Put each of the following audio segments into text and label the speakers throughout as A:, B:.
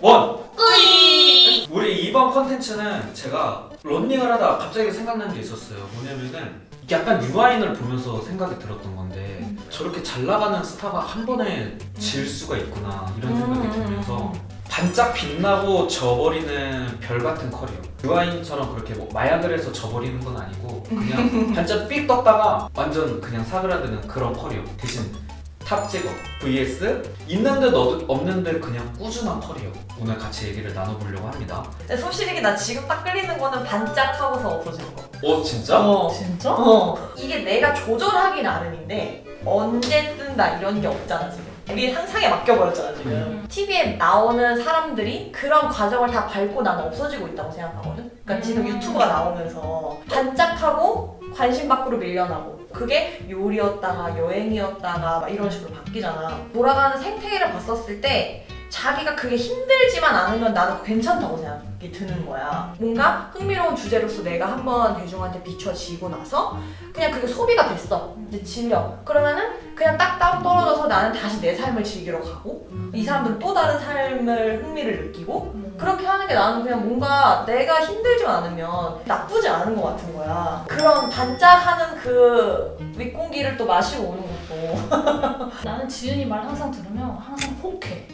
A: 원!
B: 꾸이!
A: 우리 이번 컨텐츠는 제가 런닝을 하다가 갑자기 생각난 게 있었어요. 뭐냐면은 약간 유아인을 보면서 생각이 들었던 건데 저렇게 잘 나가는 스타가 한 번에 질 수가 있구나 이런 생각이 들면서 반짝 빛나고 져버리는 별 같은 커리어. 유아인처럼 그렇게 뭐 마약을 해서 져버리는 건 아니고 그냥 반짝 삑 떴다가 완전 그냥 사그라드는 그런 커리어. 대신 탑 찍어 vs 있는 듯 없는 듯 그냥 꾸준한 커리어. 오늘 같이 얘기를 나눠보려고 합니다.
B: 근데 솔직히 나 지금 딱 끌리는 거는 반짝하고서 없어지는 거.
A: 진짜?
C: 진짜?
B: 이게 내가 조절하기 나름인데 언제 뜬다 이런 게 없잖아 지금. 우리 상상에 맡겨버렸잖아 지금. TV에 나오는 사람들이 그런 과정을 다 밟고 나는 없어지고 있다고 생각하거든. 그러니까 지금 유튜브가 나오면서 반짝하고 관심 밖으로 밀려나고 그게 요리였다가 여행이었다가 막 이런 식으로 바뀌잖아. 돌아가는 생태계를 봤었을 때 자기가 그게 힘들지만 않으면 나는 괜찮다고 생각이 드는 거야. 뭔가 흥미로운 주제로서 내가 한번 대중한테 비춰지고 나서 그냥 그게 소비가 됐어. 이제 질려. 그러면은 그냥 딱 따로 떨어져서 나는 다시 내 삶을 즐기러 가고 이 사람들은 또 다른 삶을 흥미를 느끼고 그렇게 하는 게 나는 그냥 뭔가 내가 힘들지만 않으면 나쁘지 않은 것 같은 거야. 그런 반짝하는 그 윗공기를 또 마시고 오는 것도.
C: 나는 지은이 말 항상 들으면 항상 혹해.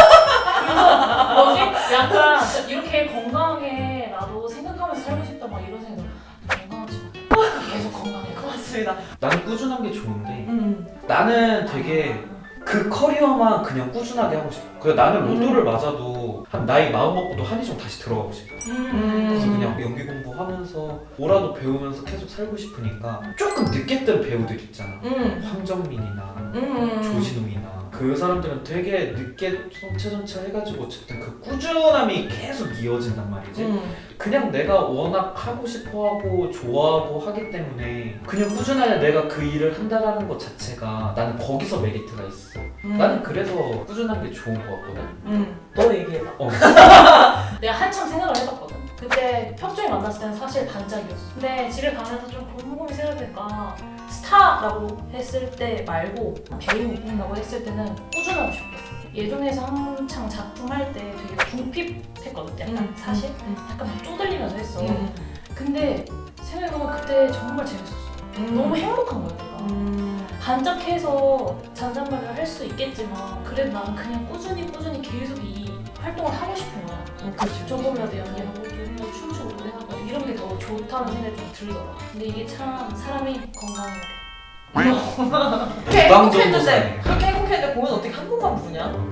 C: 그래서 뭐지? 약간 이렇게 건강하게 나도 생각하면서 살고 싶다 막 이런 생각. 건강하지 마. 계속 건강해.
B: 고맙습니다.
A: 나는 꾸준한 게 좋은데 나는 되게 그 커리어만 그냥 꾸준하게 하고 싶어. 그래서 나는 로또를 맞아도 한 나이 마음 먹고도 한의종 다시 들어가고 싶어. 그래서 그냥 연기 공부하면서 뭐라도 배우면서 계속 살고 싶으니까 조금 늦게 뜬 배우들 있잖아. 황정민이나 조진웅이나 그 사람들은 되게 늦게 성체전체 해가지고 어쨌든 그 꾸준함이 계속 이어진단 말이지. 그냥 내가 워낙 하고 싶어하고 좋아하고 하기 때문에 그냥 꾸준하게 내가 그 일을 한다라는 것 자체가 나는 거기서 메리트가 있어. 나는 그래서 꾸준한 게 좋은 것 같거든.
B: 너 얘기해봐.
C: 내가 한참 생각을 해봤거든. 그때 평소에 만났을 때는 사실 반짝이었어. 근데 집에 가면서 좀 곰곰이 생각해보니까 스타라고 했을 때 말고 배우라고 했을 때는 꾸준하고 싶어. 예전에서 한창 작품 할 때 되게 궁핍했거든. 약간 사실 약간 막 쪼들리면서 했어. 근데 생각해보면 그때 정말 재밌었어. 너무 행복한 거야 내가. 반짝해서 잔잔말을 할 수 있겠지만 그래도 나는 그냥 꾸준히 계속 이 활동을 하고 싶은 거야. 조금이라도 연기하고 조금이라도 춤추고 노래하고 이런 게 더 좋다는 생각이 좀 들더라. 근데 이게 참 사람이 건강해야 돼.
B: 그렇게 행복했는데 그렇게 행복했는데 공연 어떻게 한 번만 부냐?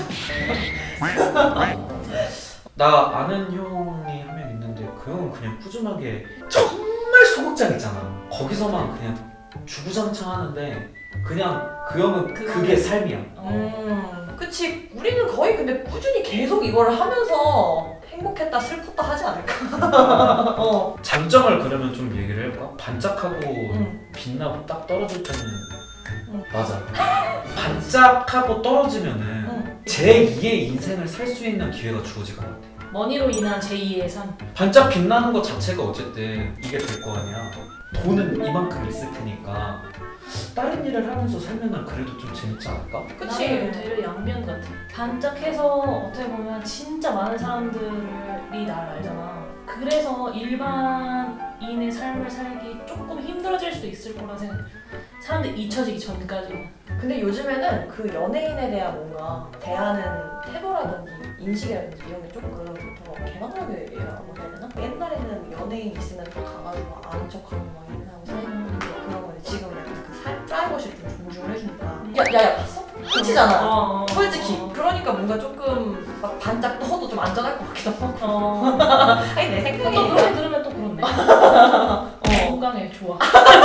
A: 나 아는 형이 한 명 있는데 그 형은 그냥 꾸준하게 정말 소극장 있잖아. 거기서만 그냥 주구장창 하는데 그냥 그 형은 그게 삶이야.
B: 그치. 우리는 거의 근데 꾸준히 계속 이걸 하면서 행복했다 슬펐다 하지 않을까?
A: 장점을 그러면 좀 얘기를 해볼까? 반짝하고 빛나고 딱 떨어질 때는 맞아. 반짝하고 떨어지면은 제2의 인생을 살 수 있는 기회가 주어지가 않아.
C: 머니로 인한 제2의 삶.
A: 반짝 빛나는 것 자체가 어쨌든 이게 될 거 아니야. 돈은 이만큼 있을 테니까 다른 일을 하면서 살면은 그래도 좀 재밌지 않을까?
B: 그치.
C: 나는 되려 양면 같아. 반짝해서 어떻게 보면 진짜 많은 사람들이 나를 알잖아. 그래서 일반인의 삶을 살기 조금 힘들어질 수도 있을 거라 생각해. 사람들이 잊혀지기 전까지는.
B: 근데 요즘에는 그 연예인에 대한 뭔가 대하는 태도라든지 인식이라든지 이런 게 조금 더 개방하게라고 해야 되나? 옛날에는 연예인 있으면 또 가가지고 아는 척하고 막 인사하고 사진 그런 건데 지금 약간 그 프라이버시를 좀 존중을 해주니까 야야 봤어? 끝이잖아. 솔직히 그러니까 뭔가 조금 막 반짝 떠도 좀 안전할 것 같기도 하고. 아니 내 생각에
C: 또 그렇게 들으면 또 그렇네. 건강에 좋아.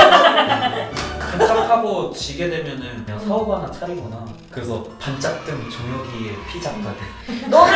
A: 반짝하고 지게 되면은 그냥 사업 하나 차리거나 그래서 반짝등 정혁이의 피자 가게
B: 너는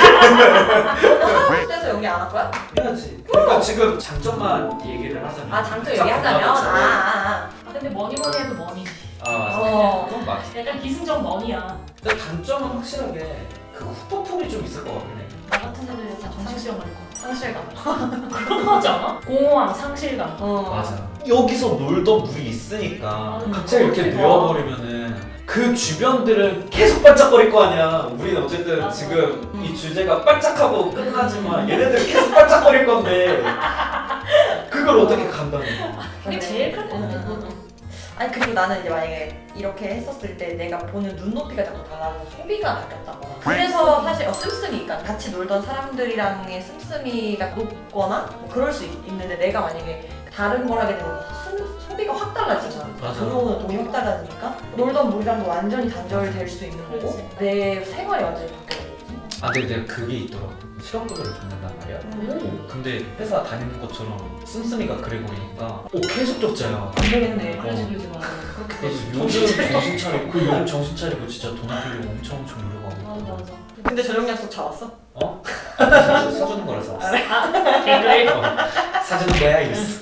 B: 하우스에서 연기 안 할 거야?
A: 해야지. 그러니까 지금 장점만 얘기를 하자면
B: 아 장점 얘기하자면
C: 근데 뭐니 해도 머니지.
A: 맞아. 그건 맞아.
C: 약간 기승전 머니야.
A: 근데 단점은 확실하게 그 후폭풍이 좀 있을 것 같긴 해.
C: 나 같은 애들 다 정신병 갈 거야.
B: 상실감.
C: 그렇지 않아? 공허함, 상실감.
A: 맞아. 여기서 놀던 물이 있으니까
C: 맞아.
A: 갑자기 이렇게
C: 좋아.
A: 누워버리면은 그 그 주변들은 계속 반짝거릴 거 아니야. 우리는 어쨌든
C: 맞아.
A: 지금 이 주제가 반짝하고 끝나지만 얘네들은 계속 반짝거릴 건데 그걸 어떻게 감당해?
C: 그게 제일 클 것 같아. 그것도.
B: 아니 그리고 나는 이제 만약에 이렇게 했었을 때 내가 보는 눈높이가 자꾸 달라서 소비가 바뀌었다거나 그래서 사실 씀씀이 그러니까 같이 놀던 사람들이랑의 씀씀이가 높거나 뭐 그럴 수 있는데 내가 만약에 다른 걸 하게 되면 소비가 확 달라지잖아.
A: 맞아.
B: 들어오는 돈이 확 달라지니까 놀던 물이랑도 완전히 단절될 수도 있는 거고
C: 그렇지.
B: 내 생활이 완전히 바뀌어버리지.
A: 아 근데 내가 그게 있더라고. 실업급여를 받는단 말이야. 근데 회사 다니는 것처럼 씀씀이가 그래버리니까 계속 적자야.
B: 안 되겠네.
C: 그러지 그러지 마. 그렇게
A: 그래서
C: 되지.
A: 요즘 정신 차리고 요즘 정신 차리고 진짜 돈 아끼려고 엄청 노력하고
C: 맞아 맞아.
B: 근데 저녁 약속 잡았어?
A: 어? 사주는 거라서 왔어.
C: 개그를.
A: 사주는 거야 이랬어.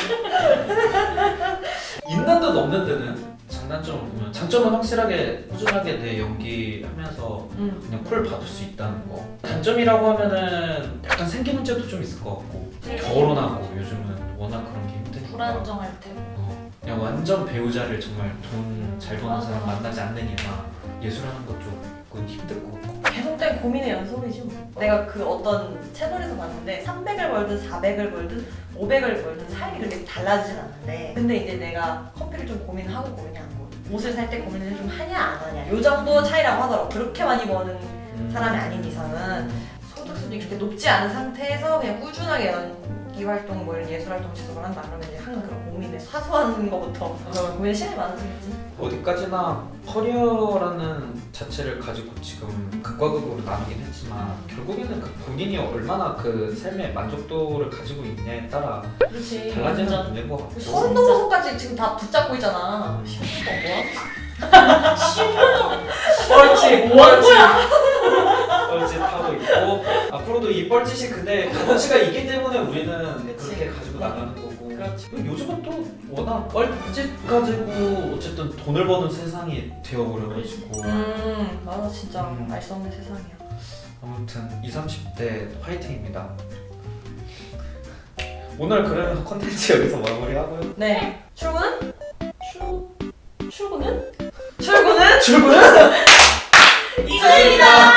A: 있는 듯 없는 데는 장단점을 보면 장점은 확실하게 꾸준하게 내 연기하면서 그냥 콜 받을 수 있다는 거. 단점이라고 하면은 약간 생기 문제도 좀 있을 것 같고 결혼하고 요즘은 워낙 그런 게 힘드니까
C: 불안정할 테고.
A: 그냥 완전 배우자를 정말 돈 잘 버는
C: 맞아.
A: 사람 만나지 않는 이상 예술하는 것 쪽은 힘들 것 같고.
B: 계속된 고민의 연속이지 뭐. 내가 그 어떤 채널에서 봤는데 300을 벌든 400을 벌든 500을 벌든 삶이 그렇게 달라지진 않는데 근데 이제 내가 커피를 좀 고민하고 고민이 안 고 옷을 살 때 고민을 좀 하냐 안 하냐 요 정도 차이라고 하더라고. 그렇게 많이 버는 사람이 아닌 이상은 소득 수준이 그렇게 높지 않은 상태에서 그냥 꾸준하게 연기 활동 뭐 이런 예술 활동 지속을 한다 그러면 이제 항상 그런 고민에 사소한 거부터 그런 고민에 시간이 많아지겠지.
A: 어디까지나 커리어라는 자체를 가지고 지금 극과 극으로 나누긴 했지만 결국에는 그 본인이 얼마나 그 삶의 만족도를 가지고 있냐에 따라
C: 그렇지.
A: 달라지는
C: 완전.
A: 문제인 것 같고.
B: 서른 넘어서까지 지금 다 붙잡고 있잖아. 시험이 뭐야?
A: 뻘짓
C: 뭐 하는 거야?
A: 뻘짓하고 있고 앞으로도 이 뻘짓이 근데 가치가 있기 때문에 우리는
B: 그치.
A: 그렇게 가지고 나가는 거고.
B: 그렇지.
A: 요즘은 또 워낙 뻘짓 가지고 어쨌든 돈을 버는 세상이 되어버려가지고
B: 맞아 진짜
A: 음.
B: 알 수 없는 세상이야.
A: 아무튼 20, 30대 화이팅입니다. 오늘 그러면 컨텐츠 여기서 마무리하고요.
B: 네. 출근은?
C: 출근은?
B: 출근은?
A: 출근!
B: 이거입니다.